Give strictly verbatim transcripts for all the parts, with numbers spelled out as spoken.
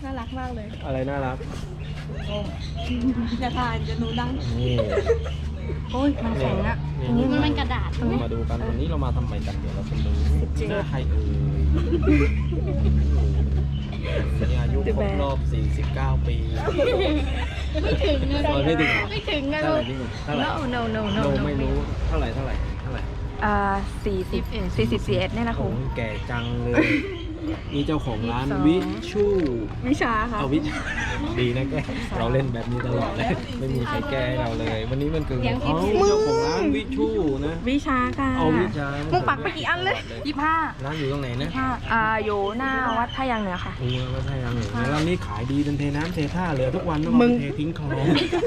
น่ารักมากเลยอะไรน่ารักจะทานจะหนูดังนี่โอ้ยมันแข็งอะตรงนี้มันเป็นกระดาษตรงนี้มาดูกันวันนี้เรามาทำไมกันเดี๋ยวเราไปดูหน้าใครเอ่ยนี่อายุครบรอบสี่สิบเก้าปีไม่ถึงนะไม่ถึงไม่ถึงนะเท่าไหร่นี่เท่าไหร่ no no no โน no ไม่รู้เท่าไหร่เท่าไหร่เท่าไหร่อ่าสี่สิบสี่สิบสี่เอ็ดเนี่ยนะครูโอ้แก่จังเลยนี่เจ้าของร้านวิชูวิชาค่ะเอาวิดีนะแกเราเล่นแบบนี้ตลอดเลยไม่มีใครแก้ให้เราเลย วันนี้มันเกิดของเขาเจ้าของร้านวิชูนะวิชาค่ะเอาวิชามึงปักไปกี่อันเลยยี่ห้าร้านอยู่ตรงไหนนะห้าอ่าอยู่หน้าวัดท่ายางเหนือค่ะโอ้ยวัดท่ายางเหนือร้านนี้ขายดีเป็นเทน้ำเทท่าเหลือทุกวันต้องเอาไปเททิ้งคลอง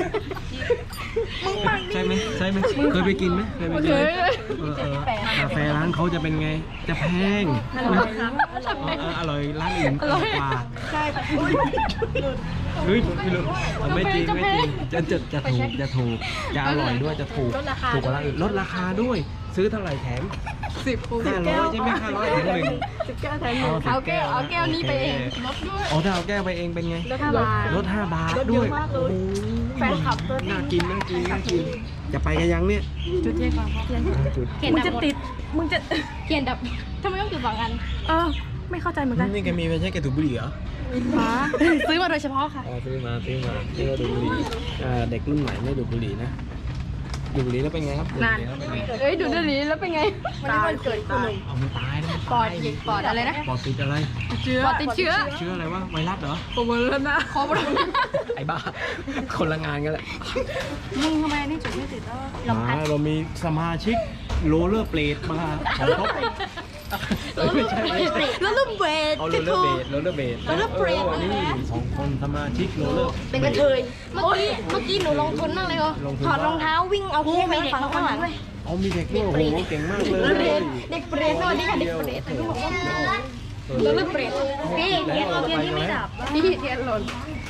ใช่ไหมใช่ไหมเคยไปกินไหมเคยไปกินไหมเออเออกาแฟร้านเขาจะเป็นไงจะแพงอร่อยร้านอื่นอร่อยกว่าใช่เฮ้ยไม่รู้ไม่จริงไม่จริงจะจะจะถูกจะถูกจะอร่อยด้วยจะถูกถูกกว่าร้านอื่นลดราคาด้วยซื้อเท่าไหร่แถมสิบห้าร้อยใช่ไหมห้าร้อยแถมหนึ่งสิบแก้วแถมหนึ่งเอาแก้วเอาแก้วนี้ไปเองลดด้วยอ๋อถ้าเอาแก้วไปเองเป็นไงลดห้าบาทลดห้าบาทด้วยแฟนคลับตัวน่ากินน่ากินน่ากินจะไปกันยังเนี่ยจุดเทียนก่อนจุดมึงจะติด มึงจะเขียนดับทำไมต้องจุดสองอันเออ ไม่เข้าใจเหมือนกันนี่แกมีไม่ใช่แกถูกบุหรี่เหรอหาซื้อมาโดยเฉพาะค่ะอ๋อซื้อมาซื้อมาที่ว่าดูดบุหรี่อ่าเด็กรุ่นใหม่ไม่ดูดบุหรี่นะดูดบุหรี่แล้วเป็นไงครับดูดบุหรี่แล้วเป็นไงเอ้ยดูดนี้แล้วเป็นไงวันนี้วันเกิดคุณหนึ่งเอามันตายนะมันปอตาดยหยิกปอดอะไรนะปอดติดอะไรเชื้อปอดติดเชื้อเชื้ออะไรวะไวรัสเหรอผมเบอร์นะขอบคุณไอ้บ้าคนละงานกันแหละมึงทำไมนี่จุดไม่ติดแล้วมาเรามีสมาชิกโรลเลอร์เบลดมาสองครบไม่ใช่ไม่ใช่แล้วลูกเบสเอาโรลเลอร์เบลดโรลเลอร์เบลด roller blade ออนี่สองคนสมาชิกโรลเลอร์เป็นกระเทยเมื่อกี้เมื่อกี้หนูลงทุนมากเลยเหรอลงทุนถอดรองเท้าวิ่งเอาคู่ไปฝั่งข้างหลังเอามีเด็กด้วยโอ้โหเก่งมากเลยเด็กเปรตสวัสดีค่ะเด็กเปรตแล้วลูกเปรตพี่เทียนเราเทียนที่ไม่ดับพี่เทียนหล่น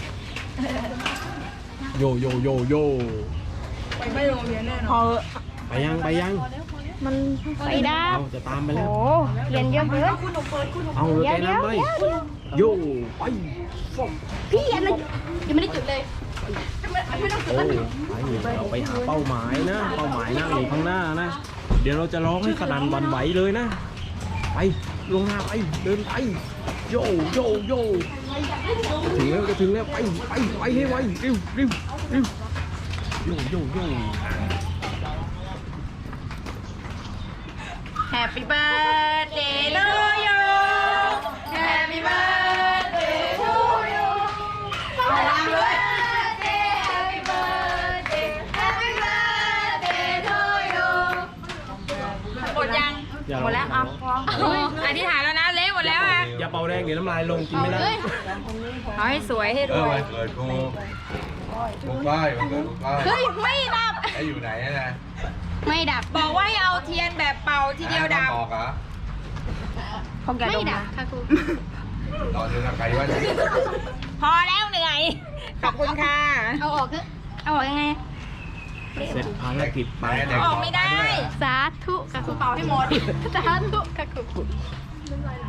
โยโยโยโยไม่โรงเรียนแน่นพอนอไปยังไปยังมันไปดับเอาจะตามไปแล้วโอ้เรียนเยอะเกินเอารถไปน้ำไปโยไปพี่อะไรยังไม่ได้จุดเลยโอ้ไปเราไปหาเป้าหมายนะ เป้าหมายนั่งอยู่ข้างหน้านะ เดี๋ยวเราจะร้องให้สนั่นหวันไหวเลยนะ ไปลงหน้าไปเดินไปโยโยโยถึงแล้วจะถึงแล้วไปไปไปให้ไวเร็วเร็วเร็วโยโยโย Happy birthday to you Happy birthday to you Happy birthday Happy birthday Happy birthday to you หมดยังอย่าหมดแล้วเอาพออธิษฐานแล้วนะเละหมดแล้วอ่ะอย่าเป่าแรงเดี๋ยวน้ำลายลงกินไม่ได้เอาให้สวยให้รเออวยวันเกิดกูกูป้ายวันเกิดกูป้ายเฮ้ยไม่ดับไอ้อยู่ไหนอะนะไม่ดับบอกว่าให้เอาเทียนแบบเป่าทีเดียวดับไอ้บอกเหรอของแกไม่ดมดับนะค่ะครูตอนนี้นะใครว่าจะพอแล้วเหนื่อย ขอบคุณค่ะเอาออกคือเอาออกยังไงเสร็จภารกิจไปออกไม่ได้สาธุค่ะครูเป่าให้หมดสาธุค่ะครู